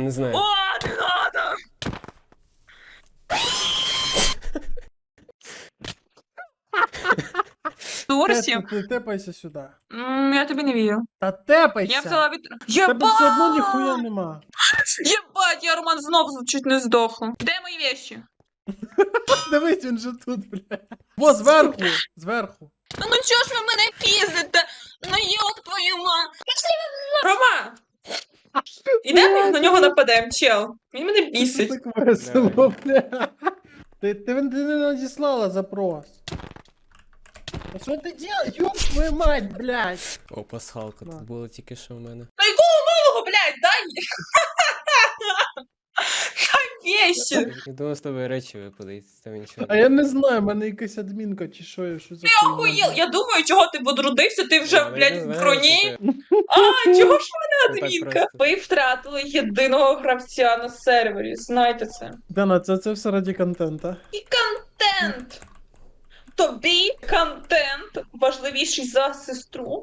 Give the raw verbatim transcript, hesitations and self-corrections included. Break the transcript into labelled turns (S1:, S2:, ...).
S1: не знаю.
S2: О, не надо! Турсі?
S3: Те- те- Тепайся сюди.
S2: М, Я тобі не вірю.
S3: Та тепайся!
S2: Я взяла від...
S3: Тебе все одно
S2: Єбать!
S3: ніхуя нема.
S2: Єбать, я, Роман, знов чуть не здохла. Де мої вещи?
S3: Дивись, він же тут, бля. Во, зверху, зверху.
S2: Ну, ну чого ж ви мене піздите? Ну йоб твою ма. Рома! Ідемо на нього нападемо, чел. Він мене
S3: Це
S2: бісить.
S3: так весело, бля. Ти, ти, ти не надіслала запрос. А що ти делаешь? Ёб твою мать, блядь.
S1: О, пасхалка,
S3: На.
S1: тут було тільки що в мене.
S2: Та якого малого, блядь, дай! Дай вещи!
S1: Я думав, з тобою речі випадуть, з того нічого.
S3: А я не знаю, в мене якась адмінка чи що, я що за
S2: Ти
S3: хуйня.
S2: охуєл! Я думаю, чого ти подрудився, ти вже,
S1: Я не
S2: блядь, в
S1: знаю,
S2: броні.
S1: що ти-
S2: А, чого ж
S1: Ну,
S2: мене
S1: так
S2: адмінка?
S1: просто.
S2: Ви втратили єдиного гравця на сервері, знайте це.
S3: Дана, це, це все раді контента.
S2: І контент! Тобі контент важливіший за сестру?